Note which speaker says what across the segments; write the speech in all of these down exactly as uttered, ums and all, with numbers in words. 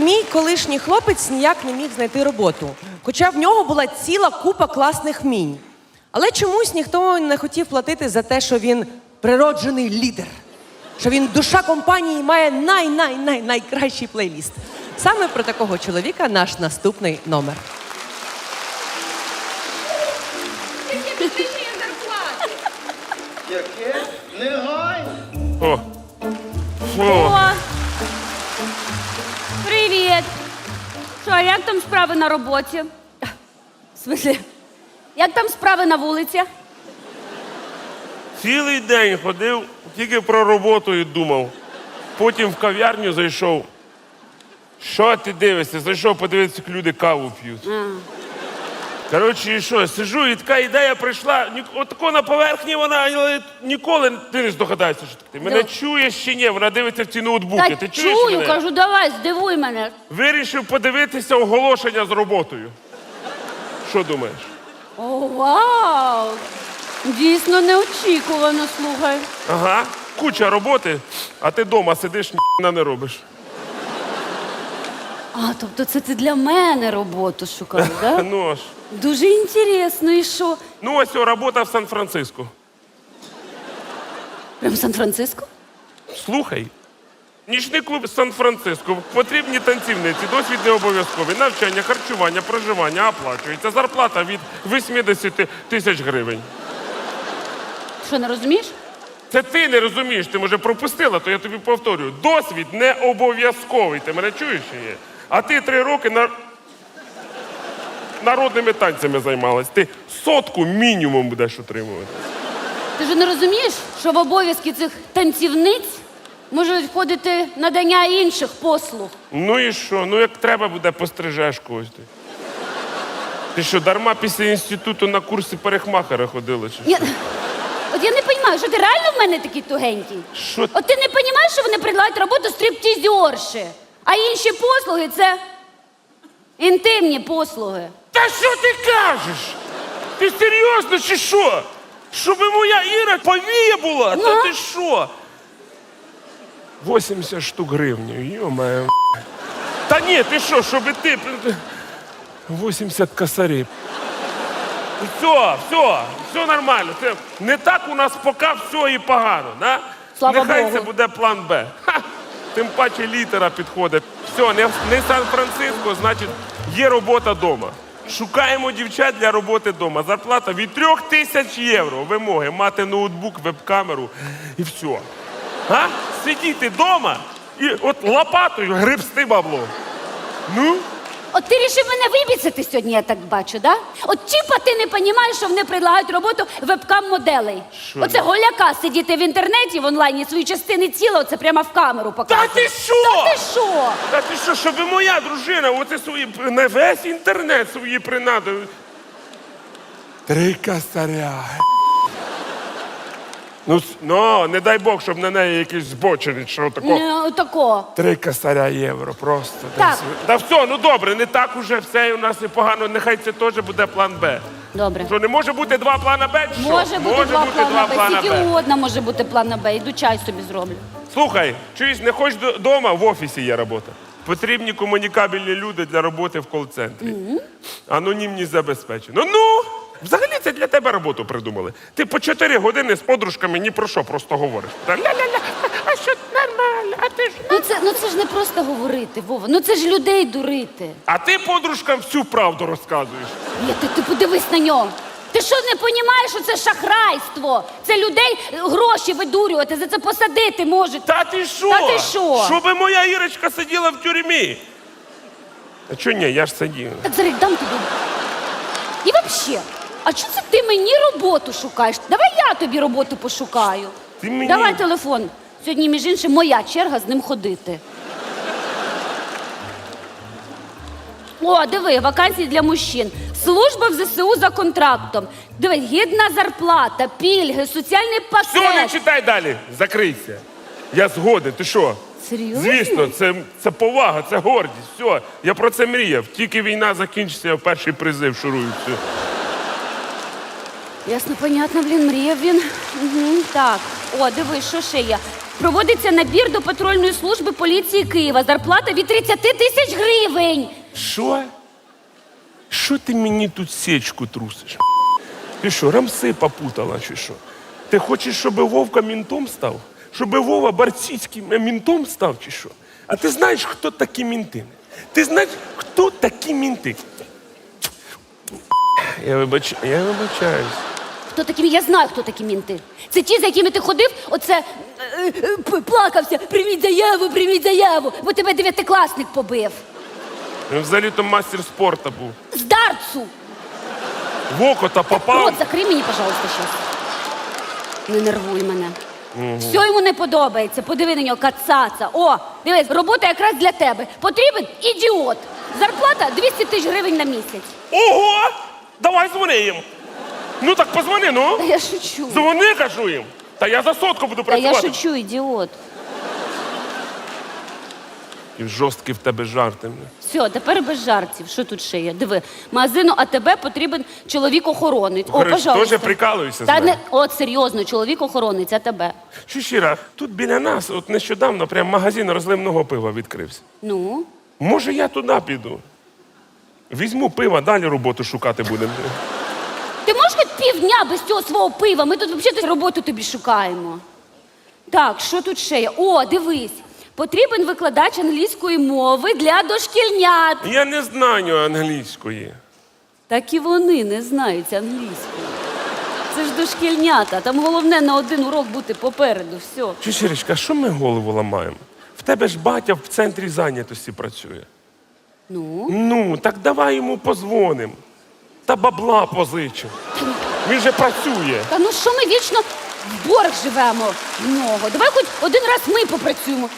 Speaker 1: мій колишній хлопець ніяк не міг знайти роботу, хоча в нього була ціла купа класних вмінь. Але чомусь ніхто не хотів платити за те, що він природжений лідер, що він душа компанії і має най-най-най-найкращий плейліст. Саме про такого чоловіка наш наступний номер.
Speaker 2: Яке? Негайно.
Speaker 3: О. О.
Speaker 4: О! Привіт! Що, а як там справи на роботі? В смислі, як там справи на вулиці?
Speaker 3: Цілий день ходив, тільки про роботу і думав. Потім в кав'ярню зайшов. Що ти дивишся? Зайшов подивитися, як люди каву п'ють. Коротше, і що, сижу, і така ідея прийшла, ні- отако на поверхні вона, але ніколи ти не здогадаєшся, що таке. Мене
Speaker 4: Да.
Speaker 3: чуєш чи ні? Вона дивиться в ці ноутбуки.
Speaker 4: Та
Speaker 3: Ти чуєш
Speaker 4: чую,
Speaker 3: мене?
Speaker 4: кажу, давай, здивуй мене.
Speaker 3: Вирішив подивитися оголошення з роботою. Що думаєш?
Speaker 4: О, вау! Дійсно неочікувано, слухай.
Speaker 3: Ага, куча роботи, а ти вдома сидиш, ніхіна не робиш.
Speaker 4: А, тобто це ти для мене роботу шукав, так?
Speaker 3: Ну аж.
Speaker 4: Дуже інтересно, і що?
Speaker 3: Ну ось о, робота в Сан-Франциско.
Speaker 4: Прям в Сан-Франциско?
Speaker 3: Слухай. Нічний клуб Сан-Франциско. Потрібні танцівниці, досвід не обов'язковий. Навчання, харчування, проживання оплачується. Зарплата від вісімдесят тисяч гривень.
Speaker 4: Що, не розумієш?
Speaker 3: Це ти не розумієш, ти, може, пропустила, то я тобі повторюю. Досвід не обов'язковий. Ти мене чуєш чи ні? А ти три роки на... народними танцями займалась. Ти сотку мінімум будеш отримувати.
Speaker 4: Ти ж не розумієш, що в обов'язки цих танцівниць можуть входити надання інших послуг.
Speaker 3: Ну і що? Ну як треба буде, пострижеш когось ти. Ти що, дарма після інституту на курси парикмахера ходила? Чи?
Speaker 4: Ні, от я не розумію, що ти реально в мене такий тугенький?
Speaker 3: Що?
Speaker 4: От ти не розумієш, що вони предлагають роботу стриптизерші, а інші послуги – це інтимні послуги.
Speaker 3: Та що ти кажеш? Ти серйозно чи що? Щоб моя Іра повія була?
Speaker 4: Ну?
Speaker 3: Та ти що? вісімдесят штук гривень, йо-моє. Та ні, ти що, щоб ти... вісімдесят косарів. Все, все, все нормально. Це не так у нас поки все і погано, да?
Speaker 4: Слава
Speaker 3: Нехай
Speaker 4: Богу.
Speaker 3: це буде план Б. Ха! Тим паче літера підходить. Все, не, не Сан-Франциско, значить, є робота вдома. Шукаємо дівчат для роботи вдома. Зарплата від трьох тисяч євро. Вимоги мати ноутбук, веб-камеру і все. А? Сидіти вдома і от лопатою гребсти бабло. Ну?
Speaker 4: От ти рішив мене вибіцяти сьогодні, я так бачу, да? От чіпа ти не розумієш, що вони предлагають роботу вебкам-моделей.
Speaker 3: Що
Speaker 4: Оце
Speaker 3: я?
Speaker 4: голяка сидіти в інтернеті, в онлайні, свої частини тіла, оце прямо в камеру
Speaker 3: Та
Speaker 4: показувати.
Speaker 3: ти що?
Speaker 4: Та ти що?
Speaker 3: Та ти що, щоб моя дружина, оце свої, на весь інтернет свої принади. Три косаря. Ну, с- ну, не дай Бог, щоб на неї якийсь збочений, що тако.
Speaker 4: Не, отако.
Speaker 3: Три косаря євро просто.
Speaker 4: Так.
Speaker 3: десь. Та все, ну добре, не так уже все у нас і погано. Нехай це теж буде план Б.
Speaker 4: Добре.
Speaker 3: Що, не може бути два плана Б? чи що?
Speaker 4: Може бути два плана Б.
Speaker 3: плана
Speaker 4: Скільки угодно може бути плана Б. Іду чай собі зроблю.
Speaker 3: Слухай, чуєш, не хочеш вдома, в офісі є робота. Потрібні комунікабельні люди для роботи в кол-центрі. Анонімність забезпечено. Ну, взагалі це для тебе роботу придумали. Ти по чотири години з подружками ні про що просто говориш. Та ля-ля-ля, а що нормально, а ти ж...
Speaker 4: Ну це, ну це ж не просто говорити, Вова. Ну це ж людей дурити.
Speaker 3: А ти подружкам всю правду розказуєш.
Speaker 4: Ні, ти, ти подивись на нього. Ти що не розумієш, що це шахрайство? Це людей е, гроші видурювати, за це посадити можуть.
Speaker 3: Та ти що?
Speaker 4: Та ти що?
Speaker 3: Щоби моя Ірочка сиділа в тюрмі. А чого ні, я ж сидів.
Speaker 4: Так зараз дам тобі. І взагалі, а чого це ти мені роботу шукаєш? Давай я тобі роботу пошукаю.
Speaker 3: Ти мені-
Speaker 4: Давай телефон. Сьогодні, між іншим, моя черга з ним ходити. О, диви, вакансії для мужчин. Служба в зе се у за контрактом. Диви, гідна зарплата, пільги, соціальний пакет.
Speaker 3: Все, не читай далі. Закрийся. Я згоден. Ти що?
Speaker 4: Серйозно?
Speaker 3: Звісно, це, це повага, це гордість. Все, я про це мріяв. Тільки війна закінчиться, я в перший призив шурую. Все.
Speaker 4: Ясно, понятно, блін, мріяв він. Угу, так, о, диви, що ще є? Проводиться набір до патрульної служби поліції Києва. Зарплата від тридцять тисяч гривень.
Speaker 3: Що? Що ти мені тут сечку трусиш? Ти що, рамси попутала чи що? Ти хочеш, щоб Вовка мінтом став? Щоб Вова Барціцьким мінтом став чи що? А ти знаєш, хто такі мінти? Ти знаєш, хто такі мінти? Я, вибач... Я вибачаюсь.
Speaker 4: Хто такі? Я знаю, хто такі мінти. Це ті, за якими ти ходив, оце е, е, п- плакався. Прийміть заяву, прийміть заяву, бо тебе дев'ятикласник побив.
Speaker 3: Він взагалі-то мастер спорту був.
Speaker 4: З дартсу.
Speaker 3: В око та попав.
Speaker 4: Рот закрий мені, пожалуйста, щас. Не нервуй мене. Все йому не подобається. Подиви на нього, кацаца. О, дивись, робота якраз для тебе. Потрібен ідіот. Зарплата двісті тисяч гривень на місяць.
Speaker 3: Ого! Давай дзвони їм. Ну так позвони, ну.
Speaker 4: Та я шучу.
Speaker 3: Дзвони, кажу їм. Та я за сотку буду
Speaker 4: Та я
Speaker 3: працювати.
Speaker 4: шучу, ідіот.
Speaker 3: І жорсткі в тебе жарти.
Speaker 4: Все, тепер без жартів. Що тут ще є? Диви, магазину АТБ потрібен чоловік-охоронець. О,
Speaker 3: Говориш,
Speaker 4: пожалуйста.
Speaker 3: теж прикалуєшся з
Speaker 4: Та
Speaker 3: мене?
Speaker 4: не, от серйозно, чоловік-охоронець АТБ.
Speaker 3: Що щира, тут біля нас, от нещодавно, прям магазин розливного пива відкрився.
Speaker 4: Ну?
Speaker 3: Може, я туди піду? Візьму пива, далі роботу шукати будемо.
Speaker 4: Ти можеш хоч півдня без цього свого пива? Ми тут взагалі роботу тобі шукаємо. Так, що тут ще є? О, дивись. Потрібен викладач англійської мови для дошкільнят.
Speaker 3: Я не знаю англійської.
Speaker 4: Так і вони не знають англійської. Це ж дошкільнята. Там головне на один урок бути попереду. Все.
Speaker 3: Чи Щирочка, а що ми голову ламаємо? В тебе ж батя в центрі зайнятості працює.
Speaker 4: Ну?
Speaker 3: Ну, так давай йому позвонимо. Та бабла позичимо. Він же працює.
Speaker 4: Та ну що ми вічно в борг живемо в нього? Давай хоч один раз ми попрацюємо.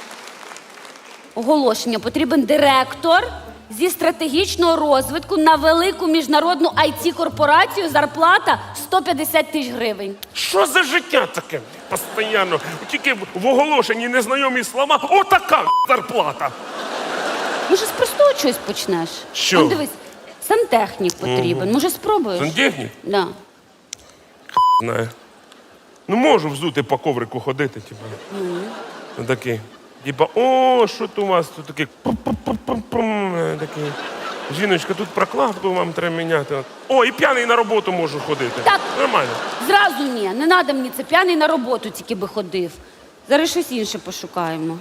Speaker 4: Оголошення. Потрібен директор зі стратегічного розвитку на велику міжнародну ай ті-корпорацію. Зарплата сто п'ятдесят тисяч гривень.
Speaker 3: Що за життя таке? Постоянно. Тільки в оголошенні незнайомі слова. Отака зарплата.
Speaker 4: Може, з простого чогось почнеш?
Speaker 3: Що?
Speaker 4: Он, дивись, сантехнік потрібен. Може, спробуєш?
Speaker 3: Сантехнік?
Speaker 4: Да.
Speaker 3: Знаю. Ну, можу взути по коврику ходити, типу. Mm. Такий. Типа, о, що тут у вас тут такий. Пум-пум-пум-пум. Такий. Жіночка, тут прокладку вам треба міняти. О, і п'яний на роботу можу ходити.
Speaker 4: Так.
Speaker 3: Нормально.
Speaker 4: Зразу ні, не треба мені це. П'яний на роботу тільки би ходив. Зараз щось інше пошукаємо.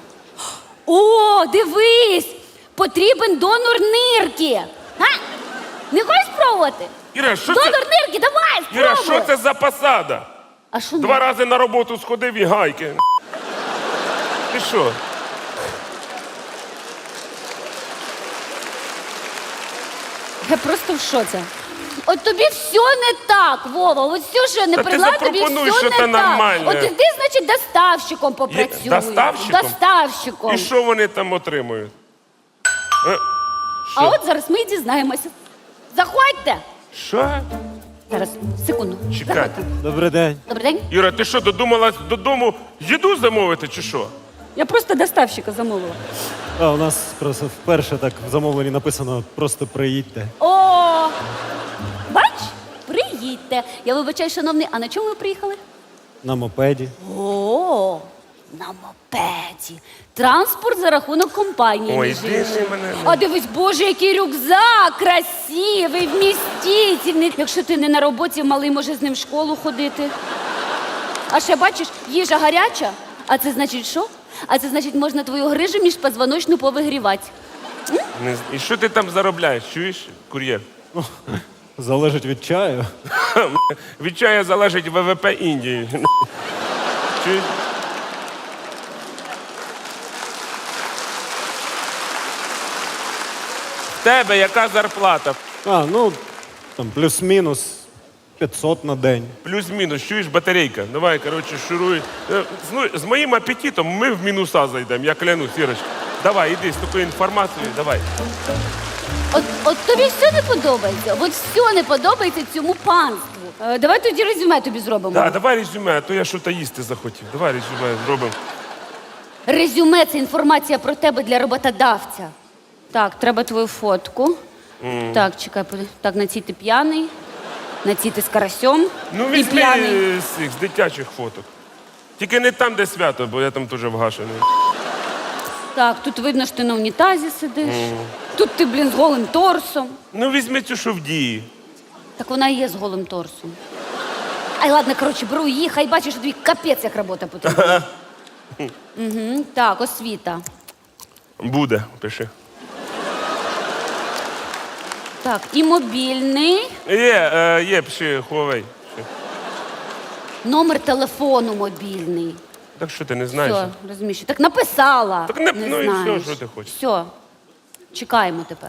Speaker 4: О, дивись! Потрібен донор нирки. А? Не хочеш спробувати?
Speaker 3: Іра, що
Speaker 4: Донор
Speaker 3: це?
Speaker 4: нирки, давай, спробуй!
Speaker 3: Іра, що це за посада?
Speaker 4: А що
Speaker 3: Два
Speaker 4: не?
Speaker 3: рази на роботу сходив і гайки. Ти що?
Speaker 4: Я просто в шоці. От тобі все не так, Вова. От все, що я не
Speaker 3: Та ти
Speaker 4: прила, тобі
Speaker 3: запропонуй
Speaker 4: все
Speaker 3: щось
Speaker 4: не так.
Speaker 3: нормальне.
Speaker 4: От іди, значить, доставщиком попрацюй.
Speaker 3: доставщиком?
Speaker 4: Доставщиком.
Speaker 3: І що вони там отримують? Е,
Speaker 4: А
Speaker 3: Що?
Speaker 4: от зараз ми і дізнаємося. Заходьте.
Speaker 3: Що?
Speaker 4: Зараз, секунду.
Speaker 3: Чекай.
Speaker 4: Заходьте.
Speaker 5: Добрий день.
Speaker 4: Добрий день.
Speaker 3: Іра, ти що, додумалась додому їду замовити чи що?
Speaker 4: Я просто доставщика замовила.
Speaker 5: А, у нас просто вперше так в замовленні написано просто приїдьте.
Speaker 4: О, бач, приїдьте. Я вибачаю, шановний, а на чому ви приїхали?
Speaker 5: На мопеді.
Speaker 4: О, на мопеді. Транспорт за рахунок компанії.
Speaker 3: Ой,
Speaker 4: між
Speaker 3: іди
Speaker 4: іншим.
Speaker 3: ти мене.
Speaker 4: А дивись, боже, який рюкзак, красивий, вмістительний. Якщо ти не на роботі, малий може з ним в школу ходити. А ще бачиш, їжа гаряча. А це значить що? А це значить, можна твою грижу міжпозвоночну повигрівати.
Speaker 3: Не з- І що ти там заробляєш? Чуєш, кур'єр?
Speaker 5: Залежить від чаю.
Speaker 3: Від чая залежить ВВП Індії. Чуєш? В тебе яка зарплата?
Speaker 5: А, ну, там плюс-мінус п'ятсот на день.
Speaker 3: Плюс-мінус, чуєш, батарейка. Давай, коротше, шуруй. Е, З, ну, з моїм апетитом ми в мінуса зайдемо, я клянусь, Ірочка. Давай, іди з такою інформацією, давай.
Speaker 4: От, от тобі все не подобається. От все не подобається цьому панству. Е, давай тоді резюме тобі зробимо.
Speaker 3: Да, давай резюме, а то я щось їсти захотів. Давай резюме зробимо.
Speaker 4: Резюме це інформація про тебе для роботодавця. Так, треба твою фотку. Так, чекай, поди- так, на цій ти п'яний, на цій ти з карасьом
Speaker 3: Ну,
Speaker 4: і
Speaker 3: візьми
Speaker 4: п'яний.
Speaker 3: е, з цих з дитячих фоток. Тільки не там, де свято, бо я там теж вгашений.
Speaker 4: Так, тут видно, що ти на унітазі сидиш. Тут ти, блін, з голим торсом.
Speaker 3: Ну, візьми цю, що в дії.
Speaker 4: Так вона і є з голим торсом. Ай, ладно, коротше, беру її, хай бачиш, що тобі капець, як робота потрібна. Угу, так, освіта.
Speaker 3: Буде, пиши.
Speaker 4: Так, і мобільний,
Speaker 3: Є, е, є, пиши, Huawei. Пиши.
Speaker 4: номер телефону мобільний.
Speaker 3: Так що ти не знаєш?
Speaker 4: Все, розумієш. Так написала.
Speaker 3: Так не- ну і все,
Speaker 4: знаєш.
Speaker 3: що ти хочеш.
Speaker 4: Все. Чекаємо тепер.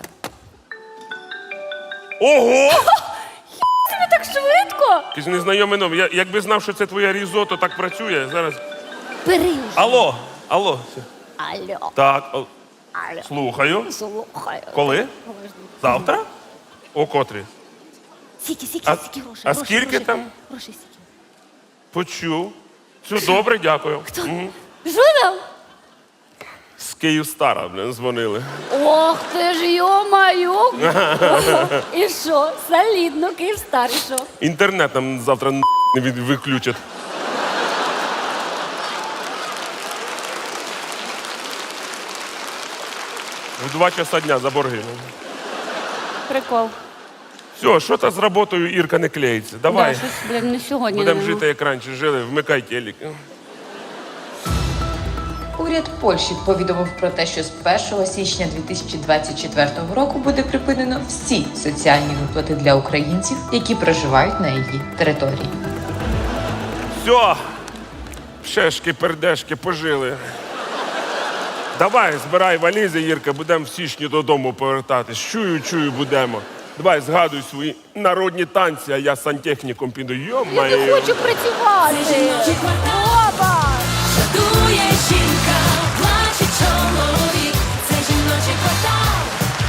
Speaker 3: Ого!
Speaker 4: Тобі так швидко?
Speaker 3: Якийсь незнайомий номер. Я, якби знав, що це твоя різото так працює, зараз.
Speaker 4: Бери вже.
Speaker 3: Алло, алло.
Speaker 4: Алло.
Speaker 3: Так, о,
Speaker 4: Алло.
Speaker 3: слухаю.
Speaker 4: Слухай.
Speaker 3: Коли? Завтра? О котрі?
Speaker 4: Сіки, сіки,
Speaker 3: А-
Speaker 4: сіки грошей.
Speaker 3: а
Speaker 4: грошей,
Speaker 3: скільки
Speaker 4: грошей.
Speaker 3: там?
Speaker 4: Грошей сіки.
Speaker 3: Почув. Все добре, дякую. Мгм.
Speaker 4: Що там?
Speaker 3: З Київстара, блин, дзвонили.
Speaker 4: Ох ти ж, йо-маю. І що? Солідно, Київстар, і що?
Speaker 3: Інтернет нам завтра не від- виключать. В два часа дня за борги.
Speaker 4: Прикол.
Speaker 3: Все, що то з роботою Ірка не клеїться. Давай.
Speaker 4: Да, щось, блін, не сьогодні.
Speaker 3: Будемо
Speaker 4: не
Speaker 3: жити, як раніше жили, вмикай телек.
Speaker 6: Уряд Польщі повідомив про те, що з першого січня дві тисячі двадцять четвертого року буде припинено всі соціальні виплати для українців, які проживають на її території.
Speaker 3: Все, пшешки, пердешки, пожили. Давай, збирай валізи, Ірка, будемо в січні додому повертатись. Чую, чую, будемо. Давай, згадуй свої народні танці, а я сантехніком піду.
Speaker 4: Я
Speaker 3: Йо-моє.
Speaker 4: не хочу працювати.